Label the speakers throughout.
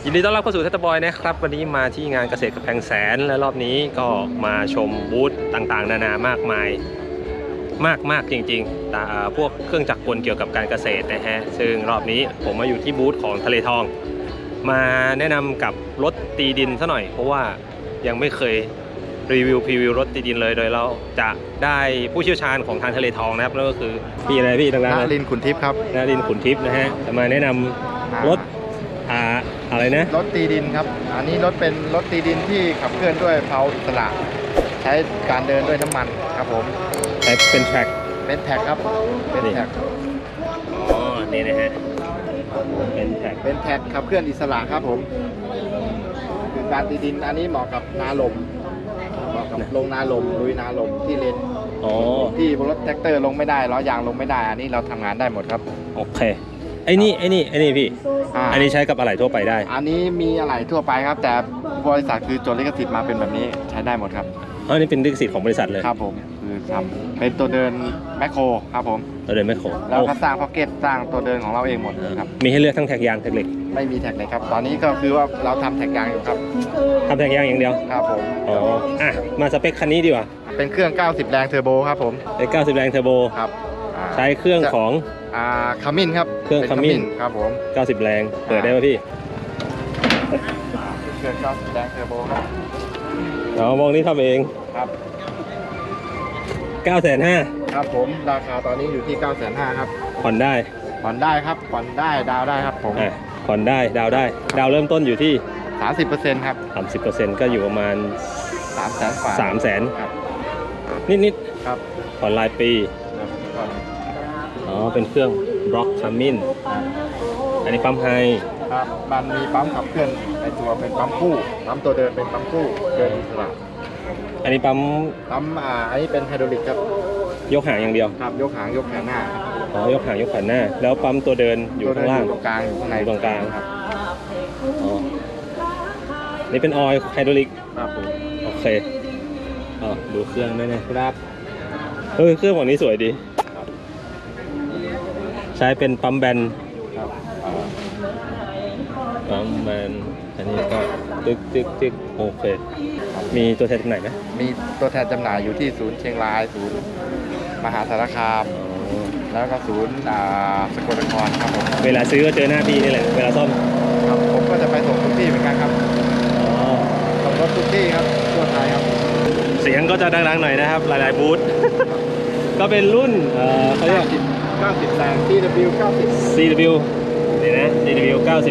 Speaker 1: ยินดีต้อนรับเข้าสู่เทสต์บอยนะครับวันนี้มาที่งานเกษตรกำแพงแสนและรอบนี้ก็มาชมบูธต่างๆนานามากมายมากจริงๆแต่พวกเครื่องจักรกลเกี่ยวกับการเกษตรนะฮะซึ่งรอบนี้ผมมาอยู่ที่บูธของทะเลทองมาแนะนำกับรถตีดินซะหน่อยเพราะว่ายังไม่เคยรีวิวพรีวิวรถตีดินเลยโดยเราจะได้ผู้เชี่ยวชาญของทางทะเลทองนะครับนั่นก็คือพี่อะไรพี่ดังๆ
Speaker 2: นรินทร์ขุนทิพย์ครับ
Speaker 1: นรินทร์ขุนทิพย์นะฮะจะมาแนะนำรถอะไรนะ
Speaker 2: รถตีดินครับอันนี้เป็นรถตีดินที่ขับเคลื่อนด้วยเพลาอิสระใช้การเดินด้วยน้ำมันครับผม
Speaker 1: ใช้เป็นแทร็ก
Speaker 2: ครับเป็นแท็ก
Speaker 1: อ๋อนี่นะฮะเป็นแท็ก
Speaker 2: ขับเคลื่อนอิสระครับผมคือการตีดินอันนี้เหมาะกับนาลมลงนาลมลุยนาลมที่เลนที่รถแท็กเตอร์ลงไม่ได้ล้อยางลงไม่ได้อันนี้เราทำงานได้หมดครับ
Speaker 1: โอเคไอ้นี่พี่อันนี้ใช้กับอะไหล่ทั่วไปได้
Speaker 2: อันนี้มีอะไหล่ทั่วไปครับแต่บริษัทคือจดลิขสิทธิ์มาเป็นแบบนี้ใช้ได้หมดครับ
Speaker 1: อันนี้เป็นลิขสิทธิ์ของบริษัทเลย
Speaker 2: ครับผมคือทำเป็นตัวเดินแมคโครครับผม
Speaker 1: ตัวเดินแมคโคร
Speaker 2: แล้วก็สร้างพ็อกเก็ตสร้างตัวเดินของเราเองหมดครับ
Speaker 1: มีให้เลือกทั้งแท็กยางแท็กเหล็ก
Speaker 2: ไม่มีแท็กเลยครับตอนนี้ก็คือว่าเราทำแท็กยางอยู่ครับ
Speaker 1: ทำแท็กยางอย่างเดียว
Speaker 2: ครับผม
Speaker 1: อ๋อมาสเปคคันนี้ดีกว่า
Speaker 2: เป็นเครื่อง90แรงเทอร์โบครับผม
Speaker 1: เป็น90แรงเทอร์โบ
Speaker 2: ครับ
Speaker 1: ใช้เครื่องของ
Speaker 2: คามินครับ
Speaker 1: เครื่องคามิน
Speaker 2: ครับผม
Speaker 1: 90แรงเปิดได้ป่ะพี่
Speaker 2: เครื่อง90แรงเทอร์โบครับ
Speaker 1: มองนี่ทำเอง
Speaker 2: ครับ
Speaker 1: 950,000
Speaker 2: ครับผมราคาตอนนี้อยู่ที่950,000ครับ
Speaker 1: ผ่อนได้
Speaker 2: ครับผ่อนได้ดาวได้ครับผม
Speaker 1: ผ่อนได้ดาวได้ดาวเริ่มต้นอยู่ที่
Speaker 2: 30% ครับ
Speaker 1: 30% ก็อยู่ประมาณ300,000
Speaker 2: ครับ
Speaker 1: นิด
Speaker 2: ครับ
Speaker 1: ผ่อนรายปีเป็นเครื่องบล็อกคามินอันนี้ปั๊มไฮ
Speaker 2: ครับมันมีปั๊มขับเคลื่อนในตัวเป็นปั๊มคู่ปั๊มตัวเดินเป็นปั๊มคู่เดินอิสระ
Speaker 1: อันนี้ปั๊ม
Speaker 2: อันนี้เป็นไฮดรอลิกครับ
Speaker 1: ยกหางอย่างเดียว
Speaker 2: ครับยกหางยกแขนหน้
Speaker 1: ายกหางยกแขนหน้าแล้วปั๊มตัวเดินอยู่ข้างล่าง
Speaker 2: ตรงกลางอยู่ข้างใน
Speaker 1: ตรงกลาง
Speaker 2: ครับ
Speaker 1: นี่เป็นออยล์ไฮดรอลิก
Speaker 2: ครับผม
Speaker 1: โอเคดูเครื่องด้วยนะครับเครื่องของนี้สวยดีใช้เป็นปั๊มแบนปั๊มแบนอันนี้ก็ตึกโอเคมีตัวแทนจำหน่ายไหม
Speaker 2: มีตัวแทนจำหน่ายอยู่ที่ศูนย์เชียงรายศูนย์มหาสารคามแล้วก็ศูนย์สกลนครครับผม
Speaker 1: เวลาซื้อก็เจอหน้าพี่นี่แหละเวลาซ่อม
Speaker 2: ครับผมก็จะไปส่งทุกที่เหมือนกันครับส่งรถทุกที่ครับทั่วไทยครับ
Speaker 1: เสียงก็จะดังๆหน่อยนะครับหลายๆบูธ ก็เป็นรุ่นเขาเรียก
Speaker 2: 90แรง CW
Speaker 1: นี่นะ CW 90X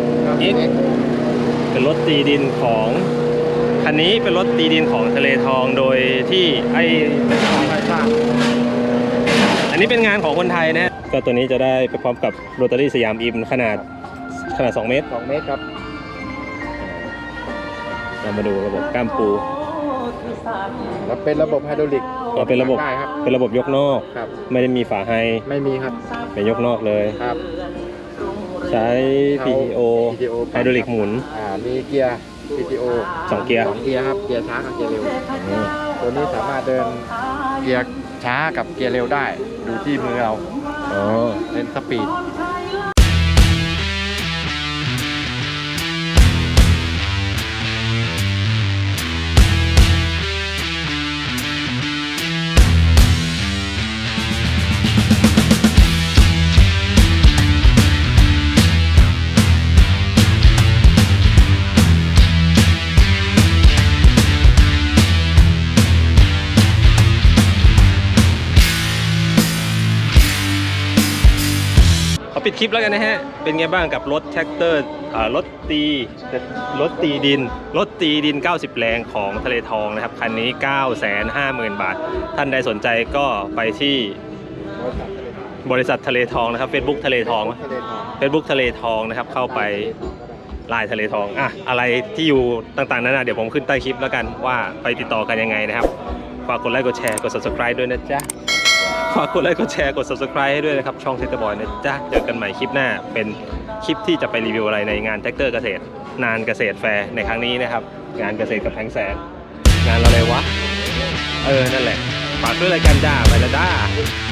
Speaker 1: เป็นรถตีดินของคันนี้เป็นรถตีดินของทะเลทองโดยที่
Speaker 2: เป็นของไทยสร้าง
Speaker 1: อันนี้เป็นงานของคนไทยนะก็ตัวนี้จะได้ไปพร้อมกับโรตารี่สยามอิมขนาด2 เมตร
Speaker 2: ครับ
Speaker 1: เรามาดูระบบก้ามปู
Speaker 2: แล้วเป็นระบบไฮดรอลิก
Speaker 1: เป็นระบบยกนอกไม่ได้มีฝาไฮ
Speaker 2: ไม่มีครับ
Speaker 1: เป็นยกนอกเลย
Speaker 2: ครับ
Speaker 1: ใช้ PTO ไฮดรอลิกหมุน
Speaker 2: มีเกียร์ PTO
Speaker 1: 2 เกียร์
Speaker 2: ครับเกียร์ช้ากับเกียร์เร็วตัวนี้สามารถเดินเกียร์ช้ากับเกียร์เร็วได้ดูที่มือเราเป็นสปีด
Speaker 1: ปิดคลิปแล้วกันนะฮะเป็นไงบ้างกับรถแท็กเตอร์รถตีดิน90แรงของทะเลทองนะครับคันนี้ 950,000 บาทท่านใดสนใจก็ไปที่บริษัททะเลทองนะครับ Facebook ทะเลทอง Facebook ทะเลทองนะครับเข้าไปไลน์ทะเลทองอะไรที่อยู่ต่างๆนั้นเดี๋ยวผมขึ้นใต้คลิปแล้วกันว่าไปติดต่อกันยังไงนะครับฝากกดไลค์กดแชร์กด Subscribe ด้วยนะจ๊ะฝากกดไลค์กดแชร์กด Subscribe ให้ด้วยนะครับช่องเทสต์บอยนะจ๊ะเจอกันใหม่คลิปหน้าเป็นคลิปที่จะไปรีวิวอะไรในงานแท็กเตอร์เกษตรนานเกษตรแฟร์ในครั้งนี้นะครับงานเกษตรกำแพงแสนงานอะไรวะนั่นแหละฝากด้วยรายการจ้าไปละจ้า